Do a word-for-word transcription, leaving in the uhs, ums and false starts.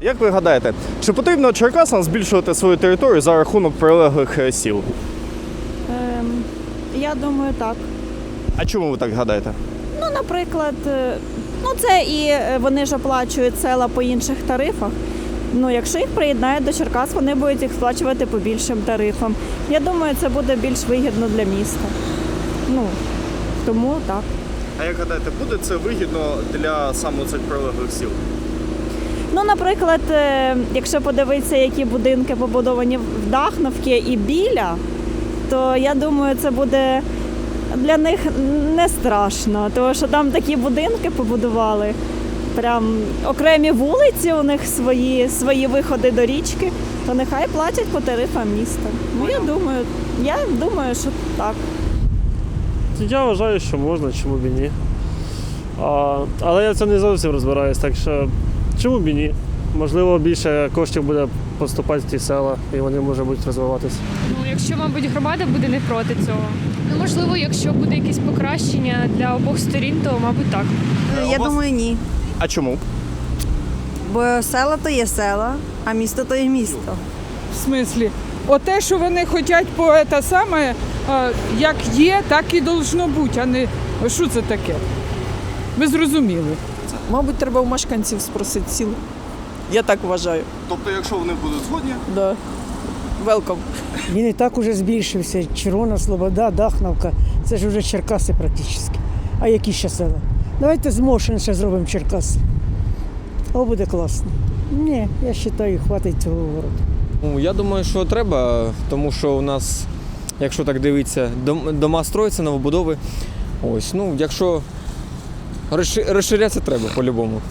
Як ви гадаєте, чи потрібно Черкасам збільшувати свою територію за рахунок прилеглих е, сіл? Ем, я думаю, так. А чому ви так гадаєте? Ну, наприклад, е, ну це і е, вони ж оплачують села по інших тарифах. Ну, якщо їх приєднають до Черкас, вони будуть їх сплачувати по більшим тарифам. Я думаю, це буде більш вигідно для міста. Ну, тому так. А як гадаєте, буде це вигідно для саме цих прилеглих сіл? Ну, наприклад, е, якщо подивитися, які будинки побудовані в Дахновці і біля, то я думаю, це буде для них не страшно, тому що там такі будинки побудували, прям окремі вулиці у них свої, свої виходи до річки, то нехай платять по тарифам міста. Ну, я думаю, я думаю, що так. Я вважаю, що можна, чому б і ні. А, але я в цьому не зовсім розбираюсь, так що чому б і ні? Можливо, більше коштів буде поступати в ті села, і вони можуть будуть розвиватися. Ну, якщо, мабуть, громада буде не проти цього. Ну, можливо, якщо буде якесь покращення для обох сторін, то, мабуть, так. Я думаю, ні. А чому? Бо села то є села, а місто то є місто. В смислі? Оте, що вони хочуть по те саме, а, як є, так і должно бути, а не що це таке? Ви зрозуміли. Мабуть, треба у мешканців спросити сіл. Я так вважаю. Тобто, якщо вони будуть згодні? Да. Велком. Він і так уже збільшився. Червона Слобода, Дахновка. Це ж вже Черкаси практично. А які ще села? Давайте з Мошин ще зробимо Черкаси. О, буде класно. Ні, я вважаю, хватить цього городу. Ну, я думаю, що треба, тому що у нас, якщо так дивитися, дом- дома строяться, новобудови. Ось, ну, якщо розши- розширятися треба по-любому.